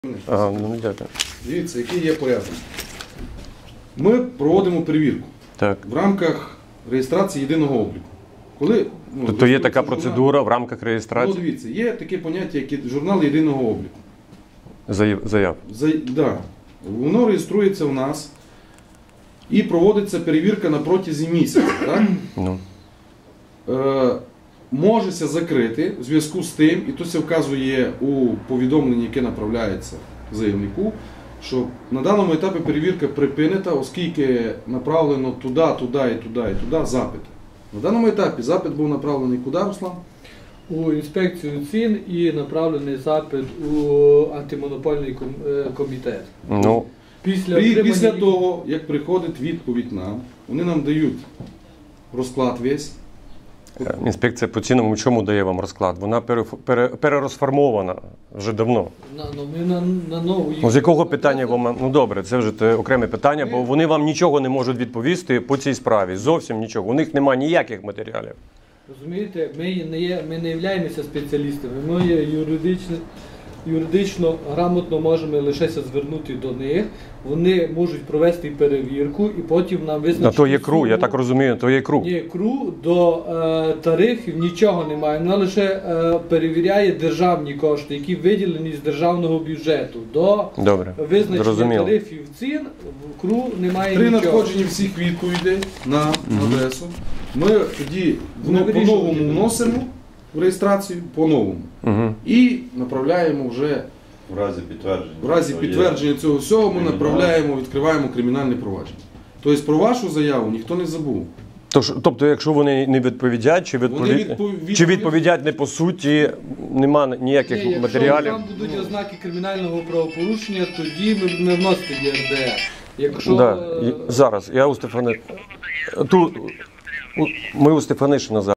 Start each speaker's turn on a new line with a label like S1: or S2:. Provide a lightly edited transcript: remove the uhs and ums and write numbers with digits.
S1: Ну, дякую.
S2: Дивіться, який є порядок. Ми проводимо перевірку в рамках реєстрації єдиного обліку.
S1: Тобто є така процедура в рамках реєстрації?
S2: Ну, дивіться, є таке поняття, як журнал єдиного обліку.
S1: Заяв?
S2: Так. Воно реєструється у нас і проводиться перевірка на протязі місяця. Так?
S1: Ну.
S2: Можеся закрити в зв'язку з тим, і тут це вказує у повідомленні, яке направляється заявнику, що на даному етапі перевірка припинена, оскільки направлено туди запити. На даному етапі запит був направлений куди, Руслан?
S3: У інспекцію цін і направлений запит у антимонопольний комітет.
S1: Ну.
S2: Після того, як приходить відповідь нам, вони нам дають розклад весь.
S1: Інспекція по цінам чому дає вам розклад? Вона перерозформована вже давно.
S3: На нову
S1: З якого питання вам? Ну добре, це вже окреме питання, бо вони вам нічого не можуть відповісти по цій справі. Зовсім нічого. У них немає ніяких матеріалів.
S3: Розумієте, ми не являємося спеціалістами, ми є юридично грамотно можемо лише звернути до них, вони можуть провести перевірку і потім нам визначити.
S1: А то є КРУ, я так розумію, то є КРУ.
S3: Ні, КРУ до тарифів нічого немає, вона лише перевіряє державні кошти, які виділені з державного бюджету. До визначення тарифів цін в КРУ немає
S2: нічого. При
S3: нічого.
S2: надходженні всіх відповідей на адресу ми тоді по-новому вносимо в реєстрацію по-новому. І направляємо вже в разі підтвердження цього всього, ми направляємо, відкриваємо кримінальне провадження. Тобто про вашу заяву ніхто не забув.
S1: Тобто, якщо вони не відповідять, чи відповідять не по суті, немає ніяких матеріалів?
S3: Якщо там будуть ознаки кримінального правопорушення, тоді ми вносимо ЄРДР.
S1: Зараз, я у Стефанишина зараз.